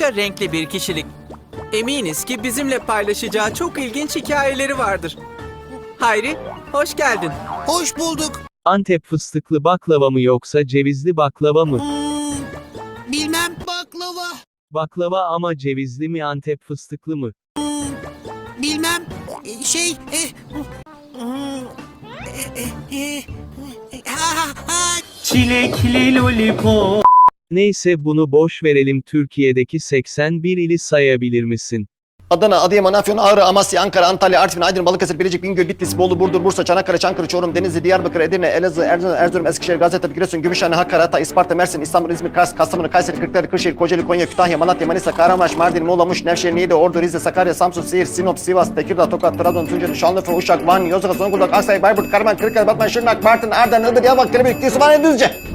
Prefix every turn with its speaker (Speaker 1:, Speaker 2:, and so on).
Speaker 1: oldukça renkli bir kişilik. Eminiz ki bizimle paylaşacağı çok ilginç hikayeleri vardır. Hayri, hoş geldin.
Speaker 2: Hoş bulduk.
Speaker 3: Antep fıstıklı baklava mı yoksa cevizli baklava mı?
Speaker 2: Bilmem baklava.
Speaker 3: Baklava ama cevizli mi Antep fıstıklı mı?
Speaker 2: Bilmem şey
Speaker 4: Çilekli lollipop.
Speaker 3: Neyse bunu boş verelim, Türkiye'deki 81 ili sayabilir misin?
Speaker 5: Adana, Adıyaman, Afyon, Ağrı, Amasya, Ankara, Antalya, Artvin, Aydın, Balıkesir, Bilecik, Bingöl, Bitlis, Bolu, Burdur, Bursa, Çanakkale, Çankırı, Çorum, Denizli, Diyarbakır, Edirne, Elazığ, Erzurum, Eskişehir, Gaziantep, Giresun, Gümüşhane, Hakkari, Hatay, Isparta, Mersin, İstanbul, İzmir, Kars, Kastamonu, Kayseri, Kırklareli, Kırşehir, Kocaeli, Konya, Kütahya, Malatya, Manisa, Kahramanmaraş, Mardin, Muğla, Muş, Nevşehir, Niğde, Ordu, Rize, Sakarya, Samsun, Siirt, Sinop, Sivas, Tekirdağ, Tokat, Trabzon, Tunceli, Şanlıurfa, Uşak, Van, Yozgat, Zonguldak, Aksay, Bayburt, Karaman, Kırıkkale, Batman, Şırnak, Bartın, Ardahan, Iğdır, Yavak, Kelebek, Sübhane, Düzce.